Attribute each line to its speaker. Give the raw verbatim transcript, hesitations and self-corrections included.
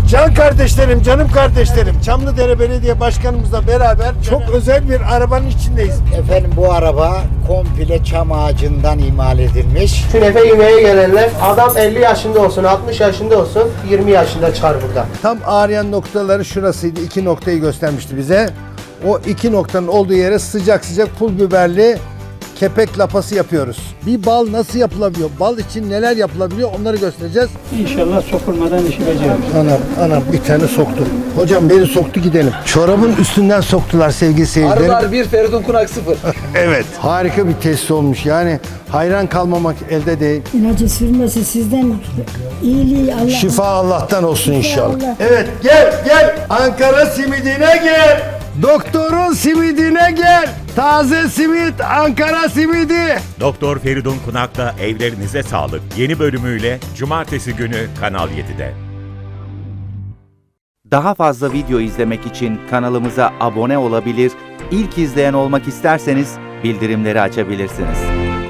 Speaker 1: Can kardeşlerim, canım kardeşlerim, Çamlıdere Belediye Başkanımızla beraber çok özel bir arabanın içindeyiz.
Speaker 2: Efendim bu araba komple çam ağacından imal edilmiş.
Speaker 3: Künefe yemeye gelenler adam elli yaşında olsun, altmış yaşında olsun, yirmi yaşında çıkar burada.
Speaker 1: Tam ağrıyan noktaları şurasıydı. İki noktayı göstermişti bize. O iki noktanın olduğu yere sıcak sıcak pul biberli kepek lapası yapıyoruz. Bir bal nasıl yapılabiliyor? Bal için neler yapılabiliyor? Onları göstereceğiz.
Speaker 4: İnşallah sokulmadan işi beceriyoruz.
Speaker 1: Anam, anam bir tane soktu. Hocam beni soktu gidelim. Çorabın üstünden soktular sevgili seyircilerim.
Speaker 5: Arılar bir, Feridun Kunak sıfır.
Speaker 1: Evet. Harika bir tesis olmuş. Yani hayran kalmamak elde değil.
Speaker 6: İlacı sürmesi sizden iyiliği Allah.
Speaker 1: Şifa Allah'tan olsun inşallah.
Speaker 6: Allah.
Speaker 1: Evet gel gel. Ankara simidine gel. Doktorun simidine gel. Taze simit Ankara simidi.
Speaker 7: Doktor Feridun Kunak'la Evlerinize Sağlık yeni bölümüyle Cumartesi günü Kanal yedide.
Speaker 8: Daha fazla video izlemek için kanalımıza abone olabilir, ilk izleyen olmak isterseniz bildirimleri açabilirsiniz.